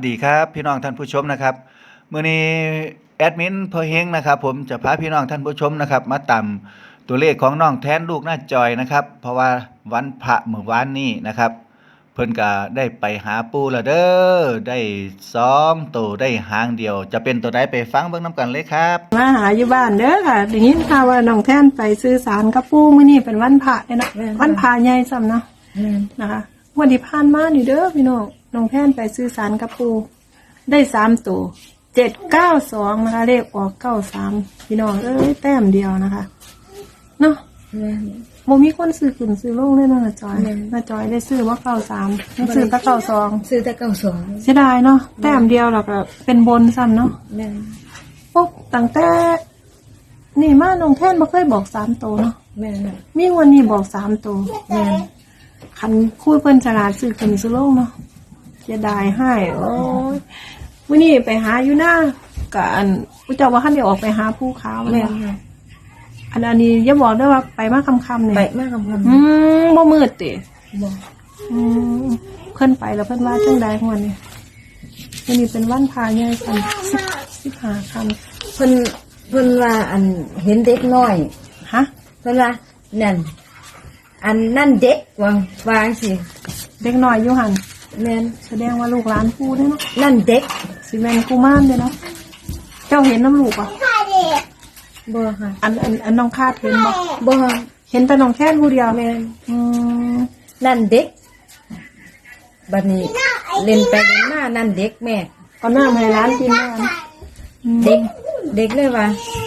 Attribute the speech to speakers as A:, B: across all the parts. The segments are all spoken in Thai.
A: ดีครับพี่น้องท่านผู้ชมนะครับมื้อนี้แอดมินเพอเฮงนะครับผมจะพาพี่น้องท่านผู้ชมนะครับมาตามตัวเลขของน้องแทนลูกหน้าจอยนะครับเพราะว่าวันพระเมื่อวานนี้นะครับเพิ่นก็ได้ไปหาปู่แล้วเด้อได้2ตัวได้หางเดียวจะเป็นตัวใดไปฟังเบิ่งนํกันเลยครับ
B: มาหาอยู่บ้านเด้อค่ะได้ยินข่าวว่าน้องแท่นไปซื้อสารกับปู่มื้อนี้เป็นวันพระเด้อนะวันพระใหญ่ซ้ำเนาะนะคะวันที่ผ่านมานี่เด้อพี่น้องแท่นไปซื้อสารกับปู่ได้3ตัว792นะคะเลขออก93พี่น้องแต้มเดียวนะคะเนาะบ่มีคนซื้อขึ้นซื้อลงเลยเนาะน้าจอยได้ซื้อว่า93ได้ซื้อแต่92
C: ซื้อแต่92
B: เสียดายเนาะแต้มเดียวแล้วก็เป็นบนซ้ำเนาะโอ้ตั้งแต่นี่มาน้องแท่นบ่เคยบอก3ตัวเนาะ
C: แม่น
B: มีวันนี้บอก3ตัวแม่นคันคุยเพิ่นฉลาดซื้อขึ้นซื้อลงเนาะเสียดายให้โอ้ยมื้อนี้ไปหาอยู่หน้าก็อันผู้เจ้าว่าคันได้ออกไปหาภูเขาแม่นอันนี้อย่าบอกด้วยว่าไปมาค่ำๆนี่
C: ไปมาค่ำ
B: บ่มืดติ
C: บ่
B: เพิ่นไปแล้วเพิ่นว่าจังใดของวันนี้วันนี้เป็นวันพระใหญ่กัน15ค่ำ
C: เพิ่นว่าอันเห็นเด็กน้อย
B: ฮะ
C: เพิ่นว่านั่นอันนั่นเด็กวางสิ
B: เด็กน้อยอยู่หั่น
C: แม่น
B: แสดงว่าลูกหลานปู่เด้เนาะ
C: นั่นเด็ก
B: สิแม่นกุมารเด้เนาะเจ้าเห็นน้ำลูกป่ะ
C: บ่ค่ะ
B: อันน้องคาดเห็น
C: บ่
B: เห็นแต่น้องแค่ผู้เดียว
C: แม่นนั่นเด็กบัดนี้เล่นไปเล่นมานั่นเด็กแม่
B: เอาหน้าให้ร้านกินแล้ว
C: เด็กเลยว่า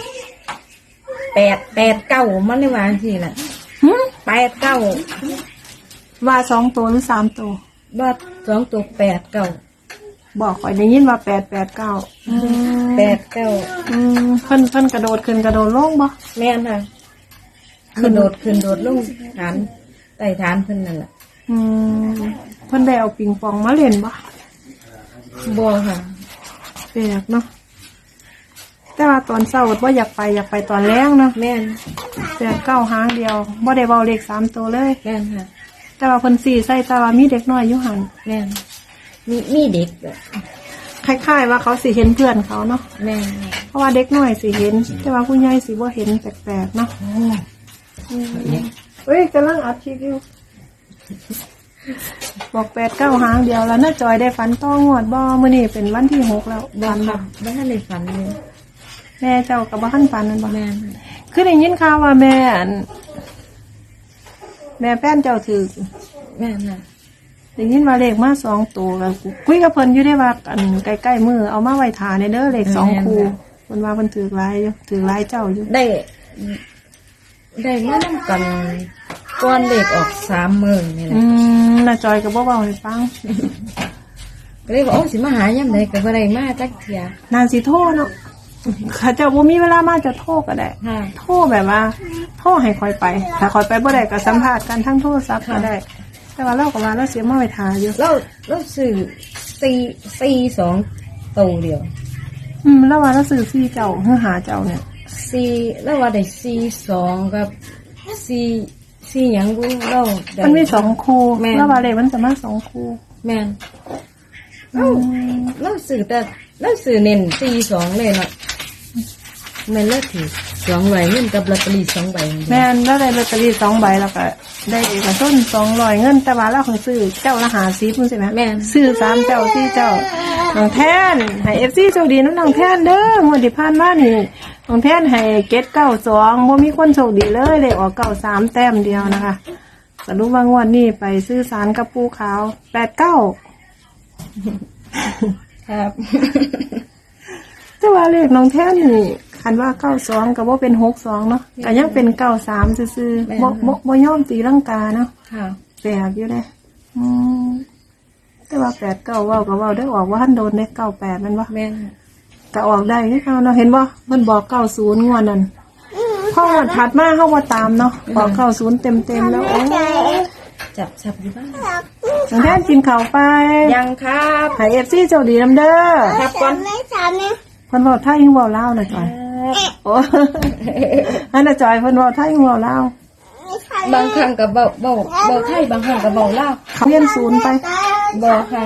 C: 8 9มันเลยว่าสิล่ะ8 9
B: ว่า2ตัวหรือ3ตัว
C: ว่า2ตัว8 9
B: บอกข่อยได้ยินว่า889
C: 8 9
B: เพิ่นกระโดดขึ้นกระโดดลงบ่
C: แม่นค่ะขึ้นโดดลงฐานใต้ฐานเพิ่นนั่นแหละ
B: เพิ่นได้เอาปิงปองมาเล่นบ่
C: ค่ะ
B: แปลกเนาะแต่ว่าตอนเช้าบ่อยากไปตอนแรงเนาะ
C: แม่น
B: 9หางเดียวบ่ได้เว้าเลข3ตัวเลย
C: แม่นค่ะ
B: แต่ว่าเพิ่นสิใส่แต่ว่ามีเด็กน้อยอยู่หั่น
C: แม่นมีเด็ก
B: คล้ายๆว่าเขาสิเห็นเพื่อนเขาเนาะ
C: แม่
B: เพราะว่าเด็กน้อยสิเห็นแต่ว่าผู้ใหญ่สิบ่เห็นแปลกๆเนาะเฮ้ยกำลังอัดคลิปอยู่บอก8-9หางเดียวแล้วน้าจอยได้ฝันต้องงวดบ่มื้อนี้เป็นวันที่6แล้ว
C: ฝันบ่ทันได้ฝันเลย
B: แม่เจ้าก็บ่ทันฝันนั่นบ่
C: แม่
B: คือได้ยินข่าวว่าแม่แฟนเจ้าถือ
C: แม่น่ะ
B: ได้ยินว่าเลขมา2ตัวแล้วคุยกับเพิ่นอยู่ได้ว่าอันใกล้ๆมื้อเอามาไว้ท่าในเด้อเลข2คู่เพิ่นว่าเพิ่นถือหลายอยู่ถือหลายเจ้าอยู่
C: ได้มานำกันก่อนเลขออก3มื้อนี่แหละ
B: น้าจอยก็บ่เว้าให้ฟัง
C: ก็เลยบอกโอ้สิมาหายามใดก็บ่ได้มาจักเที่ย
B: นานสิโทรเนาะเขาเจ้าบ่มีเวลามาจะโทรก็ได้โทรแบบว่าโทรให้คอยไปถ้าคอยไปบ่ได้ก็สัมภาษณ์กันทั้งโทรศัพท์ก็ได้แต่ว่าเราก็ว่าเราเสียมาไว้ท่าอยู่
C: เราซื้อ2ตัวเดียว
B: แล้วว่าเราซื้อ4เจ้าเฮือหาเจ้าเนี่ย
C: 4แล้วว่าได้42กับ4หยังบ่เรา
B: มันมี2คู่แล้วว่าเลขมันจะมา2คู่
C: แม่นเราซื้อแต่เราซื้อเน้น42เลยเนาะแม่นแล้วถือ2ใบเงินกับลอตเตอรี่2ใบ
B: แม่นแล้วได้ลอตเตอรี่2ใบแล้วก็ได้เอกชน200เงินแต่ว่าเราคงซื้อเจ้าละ50มันใช่มั้ย
C: แม่น
B: ซื้อ3เจ้า4เจ้าน้องแทนให้ FC โชคดีน้องแทนเด้องวดที่ผ่านมานี่น้องแทนให้792บ่มีคนโชคดีเลยเลขออก93แต้มเดียวนะคะสรุปว่างวดนี้ไปซื้อสารกับปูขาว89
C: ครับ
B: แต่ว่าเลขน้องแท้นี่คันว่า92ก็บ่เป็น62เนาะก็ยังเป็น93ซื่อๆบ่ยอมตีลังกาเนาะ
C: ค่ะ
B: แปลกอยู่เด้แต่ว่า89เว้าก็เว้าได้ออกว่าทันโดนได้98มันบ่
C: แม่น
B: ก็ออกได้คือเฮาเนาะเห็นบ่เพิ่นบอก90งวดนั้นพอถัดมาเฮาบ่ตามเนาะบอก90เต็มๆแล้วโอ้
C: จับอยู่บ้าน
B: น้องแท้กินข้าวไป
C: ยังครับ
B: ให้ FC โชคดีนำเด้อ
C: ครับก่อน
B: เพิ่นเว้าไทยเว้าลาวน่ะจอยโอ้อันน่ะจอยเพิ่นเว้าไทยเว้าลาว
C: บางครั้งก็เว้าไทยบางครั้งก็เว้าลาว
B: เขาเรียนศูนย์ไป
C: บอกค่ะ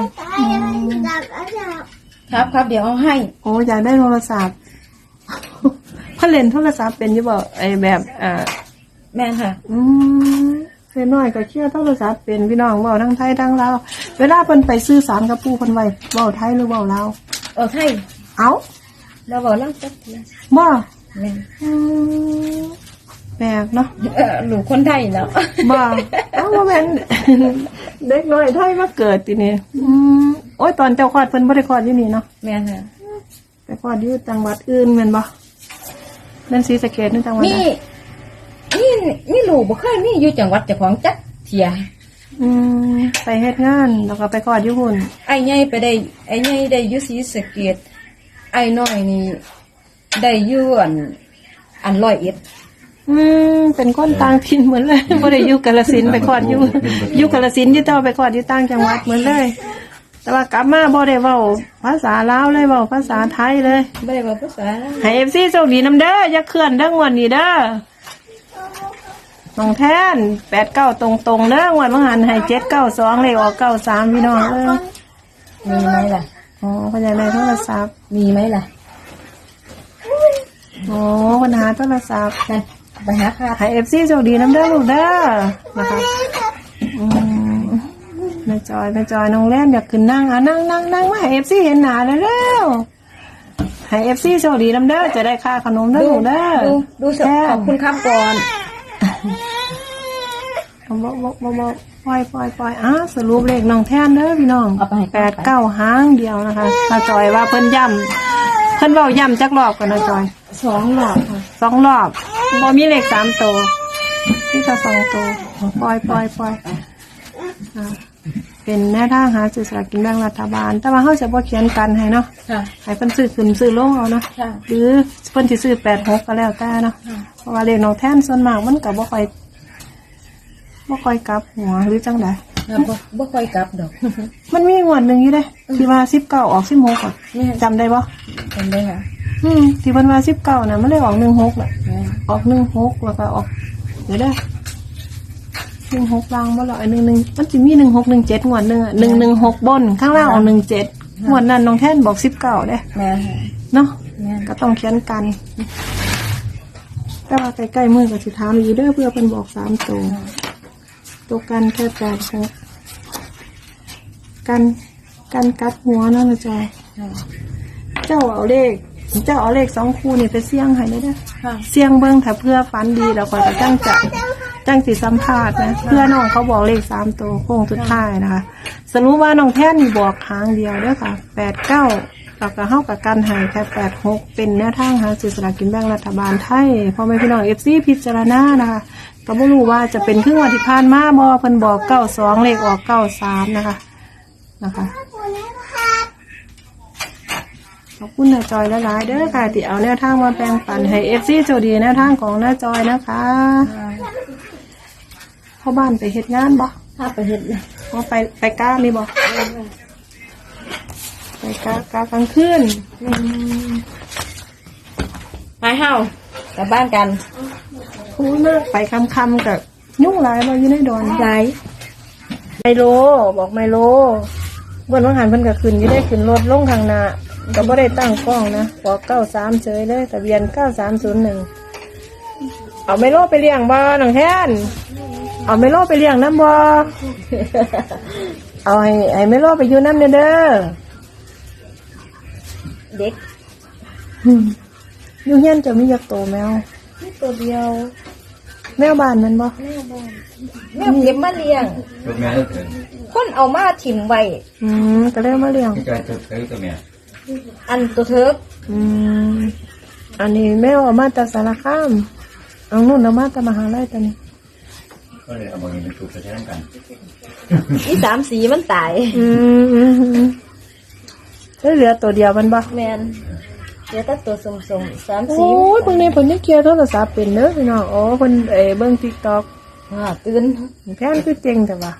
C: ครับเดี๋ยวเอาให้
B: โอ้อยากได้โทรศัพท์ พ่อเล่นโทรศัพท์เป็นอยี่บอกไอแบบ
C: แม่นค่ะ
B: เล็กน้อยก็เชื่อโทรศัพท์เป็นพี่น้องเว้าทั้งไทยทั้งลาวเวลาเพิ่นไปซื้อสารกับปู่เพิ่นไว้เว้าไทยหรือเว้าลาว
C: ไทย
B: เอ้า
C: เราบอกเล่าจักเทีย
B: บ่
C: แม่น
B: แปลกเนาะ
C: ลูกคนไทยแล้ว
B: บ่เอ้าว่าแม่น เด็กน้อยไทยมาเกิดทีนี้โอ้ยตอนเจ้าคลอดเพิ่นบ่ได้คลอดที่นี่เนาะ
C: แม่นค่ะ
B: ไปคลอดอยู่จังหวัดอื่นแม่นบ่นั่นศรีสะเกษนี่จังหวัดใด
C: นี่ลูกบ่เคยมีอยู่จังหวัดเจ้าของจักเทีย
B: ไปเฮ็ดงานแล้วก็ไปคลอดอยู่หุ่น
C: ไอ้ใหญ่ไปได้ไอ้ใหญ่ได้อยู่ศรีสะเกษไอ้น้อยนี่ได้อยู่อัน101
B: เป็นคนต่างถิ่นเหมือนเลย บ่ได้อยู่กาฬสินธุ์ไปคลอดอยู่กาฬสินธุ์อยู่ต่อไปคลอดอยู่ต่างจังหวัดเหมือนเลย แต่ว่ากลับมาบ่ได้เว้าภาษาลาวเลยเว้าภาษาไทยเลย
C: บ่ได้บอกภาษาลาว
B: ให้ FC โชคดีนำเด้ออย่าเคลื่อนเด้องวดนี้เด้อน้องแทน89ตรงๆเด้องวดบ่หันให้792เลขออก93พี่น้อง
C: มีไหมล่ะ
B: อ๋อเพิ่นอยากได้โทรศัพท์
C: มีไหมล่ะ
B: อ๋อปัญหาโทรศัพท์
C: ไปหาค่ะ
B: ให้ FC โชคดีนำเด้อลูกเด้อนะคะแม่จอยน้องแล่นอยากขึ้นนั่งนั่งมาให้ FC เห็นหน้าเร็วๆให้ FC โชคดีนำเด้อจะได้ค่าขนมเด้อลูกเด้อ
C: ดูขอบคุณครับก่อน
B: ปล่อยสรุปเลขน้องแทนเด้อพี่น้อง8-9หางเดียวนะคะตาจอยว่าเพิ่นย้ำเพิ่นเว้าย้ำจักรอบกันนะจอย
C: 2 รอบค่ะ
B: 2 รอบบ่มีเลข3ตัวที่ก็2ตัวปล่อยเป็นแนวทางหาซื้อสลากกินแบ่งรัฐบาลแต่ว่าเฮาจะบ่เขียนกันให้เนาะ
C: ค่ะ
B: ให้เพิ่นซื้อขึ้นซื้อลงเอาเนาะ
C: ค่ะ
B: หรือเพิ่นสิซื้อ86ก็แล้วแต่เนาะเพราะว่าเลขน้องแทนส่วนมากมันก็บ่ค่อยกลับหัวหรือจังได๋
C: บ่ค่อยกลับดอก
B: มันมีงวดหนึงอยู่เด้ที่ว่า19ออก16อ่ะจำได้บ่
C: จำได้ค่ะ
B: ที่เพิ่นว่า19น่ะมันเลยออก16น่ะออก16แล้วก็ออกเดี๋ยวเด้อ16ล่างบ่ล่ะไอ้11มันสิมี1617งวดนึงอ่ะ116บนข้างล่างออก17งวดนั้นน้องแทนบอก19เด้
C: แม่ค่ะ
B: เนาะ
C: แม่
B: ก็ต้องเขียนกัน แต่ว่าใกล้ๆมือก็สิถามอยู่เด้อเพื่อเพิ่นบอก3ตัวกันแค่86กันกัดหัวเนาะนะจ๊ะเจ้าเอาเลข2คู่นี่ไปเสี่ยงให้เด้อ
C: ค่ะ
B: เสี่ยงเบิ่งถ้าเพื่อฝันดีแล้วก็จะจังสิสัมภาษณ์นะเพื่อน้องเขาบอกเลข3ตัวโค้งสุดท้ายนะคะสรุปว่าน้องแท่นนี่บอกหางเดียวเด้อค่ะ89แล้วก็เฮากับกันให้แค่86เป็นแนวทางหาซื้อสลากกินแบ่งรัฐบาลไทยพ่อแม่พี่น้อง FC พิจารณานะคะก็บ่รู้ว่าจะเป็นครึ่งวันที่ผ่านมาบ่เพิ่นบอก92เลขออก93นะคะขอบคุณน้าจอยหลายๆเด้อค่ะที่เอาแนวทางมาแบ่งปันให้ FC โชคดีแนวทางของน้าจอยนะคะพ่อบ้านไปเฮ็ดงานบ่
C: ถ้าไปเฮ็ดนะ
B: ว่าไปก้านี่บ่ไปก้ากลางคืน
C: ไปเฮากลับบ้านกัน
B: คูมากไปคำๆกับยุ่งหลายบ่อยู่ในดอน
C: ไหน
B: ไมโลบอกไมโลวันวังหันเพิ่นก็ขึ้นอยู่ได้ขึ้นรถลงทางหน้าก็บ่ได้ตั้งกล้องนะบอก93เฉยเลยทะเบียน9301เอาไมโลไปเลี้ยงบ่น้องแทนเอาไมโลไปเลี้ยงน้ำบ่ เอาให้ไมโลไปอยู่น้ำเด้อ
C: เด็ก
B: อยู่เฮียนจะมียักษ์โตแมว
C: นี่ตัวเดียว
B: แมวบ้านมันบ่
C: แม่เก็บมาเลี้ยง
D: ตัวแม่ก็เกิด
C: คนเอามาถิ่มไว้
B: ก็เลยมาเลี้ยง
D: ที่กายตัวแม่
C: อันตัวเทิก
B: อันนี้แมวเอามาจากสารคามเอานู่นเอามาจากมหาลัยตอนนี้
D: ก็เลยเอามาเป็นตัวแทนกัน
C: อี3 สีมันตาย
B: แล้วเหลือตัวเดียวมันบ่
C: แม่นเดี๋ยวแต่ตัวสมๆ3 สี
B: โอ้ยพวกนี้เพิ่นได้เคลียร์โทรศัพท์เป็นเด้อพี่น้องอ๋อเพิ่นเบิ่ง TikTok
C: ตื่น
B: แพนคือเจ๋งแต่ว่า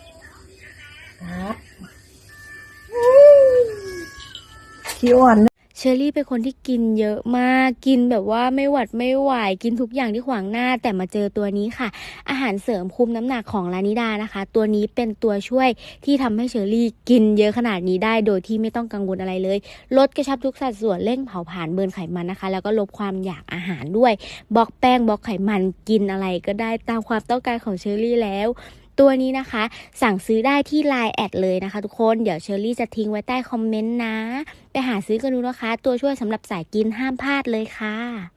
C: ครับ
B: ขี้อ่อน
E: เชอรี่เป็นคนที่กินเยอะมากกินแบบว่าไม่หวัดไม่ไหวกินทุกอย่างที่ขวางหน้าแต่มาเจอตัวนี้ค่ะอาหารเสริมคุมน้ำหนักของลานิดานะคะตัวนี้เป็นตัวช่วยที่ทำให้เชอรี่กินเยอะขนาดนี้ได้โดยที่ไม่ต้องกังวลอะไรเลยลดกระชับทุกสัดส่วนเร่งเผาผลาญเบิร์นไขมันนะคะแล้วก็ลดความอยากอาหารด้วยบล็อกแป้งบล็อกไขมันกินอะไรก็ได้ตามความต้องการของเชอรี่แล้วตัวนี้นะคะสั่งซื้อได้ที่ LINE แอดเลยนะคะทุกคนเดี๋ยวเชอรี่จะทิ้งไว้ใต้คอมเมนต์นะไปหาซื้อกันดูนะคะตัวช่วยสำหรับสายกินห้ามพลาดเลยค่ะ